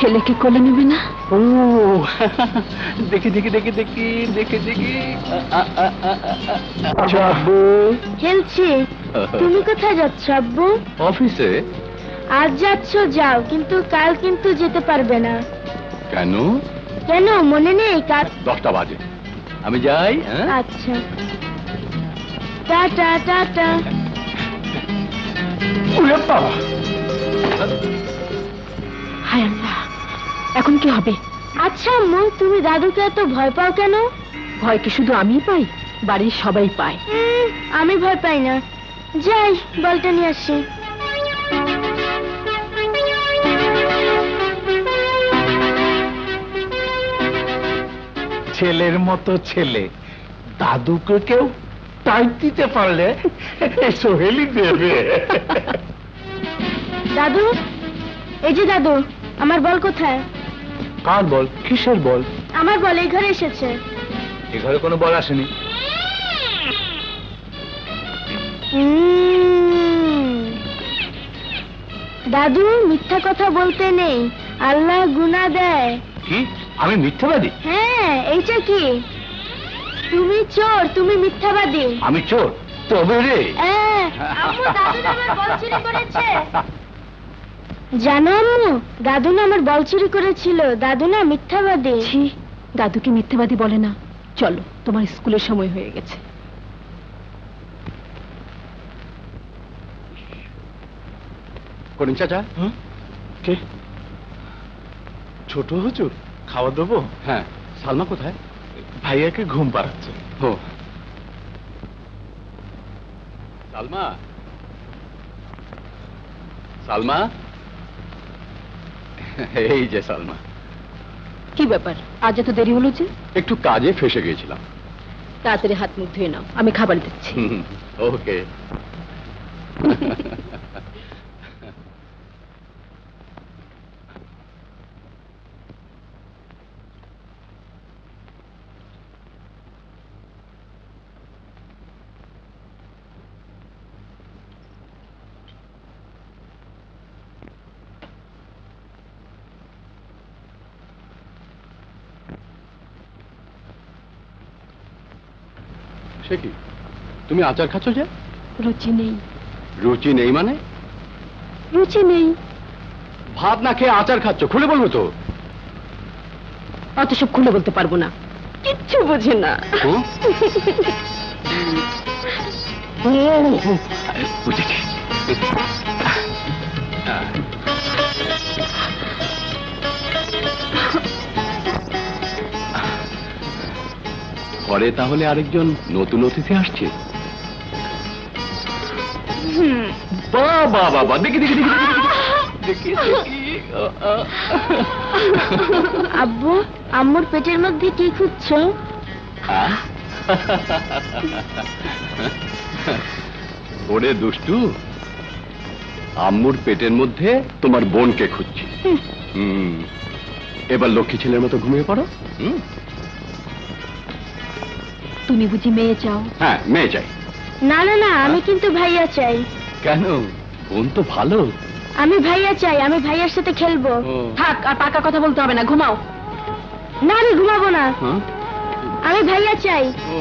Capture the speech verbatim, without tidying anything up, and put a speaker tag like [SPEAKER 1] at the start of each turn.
[SPEAKER 1] ছেলেকে কোলে নেবে না?
[SPEAKER 2] ও দেখি দেখি দেখি দেখি দেখি দেখি আব্বু
[SPEAKER 3] খেলছি। তুমি কোথায় যাচ্ছ আব্বু?
[SPEAKER 2] অফিসে।
[SPEAKER 3] আজ যাচ্ছ যাও, কিন্তু কাল কিন্তু যেতে পারবে না।
[SPEAKER 2] কেন?
[SPEAKER 3] কেন মনে নেই? কাল
[SPEAKER 2] দশটা বাজে, আমি যাই।
[SPEAKER 3] আচ্ছা, টাটা টাটা।
[SPEAKER 1] হায় আল্লাহ, এখন কি হবে?
[SPEAKER 3] আচ্ছা আম্মু, তুমি দাদুকে এত ভয় পাও কেন?
[SPEAKER 1] ভয় কি শুধু আমিই পাই? বাড়ির সবাই পায়।
[SPEAKER 3] উম, আমি ভয় পাই না। যাই, বলটা নিয়ে আসি।
[SPEAKER 4] ছেলের মতো ছেলে, দাদুকে কেউ টাইট দিতে পারলে সোহেলি দেবে।
[SPEAKER 3] দাদু, এই যে দাদু, আমার বল কোথায়?
[SPEAKER 4] কার বল? কিসের বল?
[SPEAKER 3] আমার বল এই ঘরে এসেছে।
[SPEAKER 4] এ ঘরে কোনো বল আসেনি।
[SPEAKER 3] উম, দাদু, মিথ্যা কথা বলতে নেই, আল্লাহ গুনাহ দেয়।
[SPEAKER 4] কি? আমি মিথ্যাবাদী?
[SPEAKER 3] হ্যাঁ, এইটা কি? তুমি চোর, তুমি মিথ্যাবাদী।
[SPEAKER 4] আমি চোর? তবে রে।
[SPEAKER 3] হ্যাঁ, আম্মু, দাদু না আমার বল চুরি করেছে। জানো আম্মু, দাদু না আমার বল চুরি করেছিল। দাদু না মিথ্যাবাদী।
[SPEAKER 1] ছি, দাদুকে মিথ্যেবাদী বলে না। চলো, তোমার স্কুলের সময় হয়ে গেছে।
[SPEAKER 2] করিম চাচা।
[SPEAKER 4] কে? ছোট হুজুর, খাওয়া দেবো?
[SPEAKER 2] হ্যাঁ, সালমা কোথায়?
[SPEAKER 4] ভাইয়াকে ঘুম পাড়াচ্ছে।
[SPEAKER 2] ও সালমা, সালমা, এই যে সালমা।
[SPEAKER 1] কি ব্যাপার, আজ এত দেরি হলো যে?
[SPEAKER 2] একটু কাজে ফেসে গিয়েছিলাম।
[SPEAKER 1] তাড়াতাড়ি হাত মুখ ধুয়ে নাও, আমি খাবার দিচ্ছি।
[SPEAKER 2] ওকে। সে কি, তুমি আচার খাচ্ছ যে?
[SPEAKER 1] রুচি নেই।
[SPEAKER 2] রুচি নেই মানে?
[SPEAKER 1] রুচি নেই।
[SPEAKER 2] ভাত না খেয়ে আচার খাচ্ছ, খুলে বলবো তো।
[SPEAKER 1] অত সব খুলে বলতে পারবো না, কিচ্ছু বোঝে না।
[SPEAKER 2] বুঝেছি। ঘরে তাহলে আরেকজন নতুন অতিথি আসছে। বাবা বাবা, দেখি দেখি দেখি দেখি দেখি।
[SPEAKER 3] আব্বু, আম্মুর পেটের মধ্যে কি খুঁজছো?
[SPEAKER 2] ওরে দুষ্টু, আম্মুর পেটের মধ্যে তোমার বোনকে খুঁজছি। হুম, এবার লক্ষ্মী ছেলের মতো ঘুমিয়ে পড়ো। হুম,
[SPEAKER 1] তুমি বুঝি মেয়ে চাও?
[SPEAKER 2] হ্যাঁ, মেয়ে চাই।
[SPEAKER 3] না না না, আমি কিন্তু ভাইয়া চাই।
[SPEAKER 2] কেন? বোন তো ভালো।
[SPEAKER 3] আমি ভাইয়া চাই, আমি ভাইয়ার সাথে খেলবো।
[SPEAKER 1] থাক, আর পাকা কথা বলতে হবে না, ঘুমাও।
[SPEAKER 3] না, আমি ঘুমাবো না,
[SPEAKER 2] হ্যাঁ,
[SPEAKER 3] আমি ভাইয়া চাই।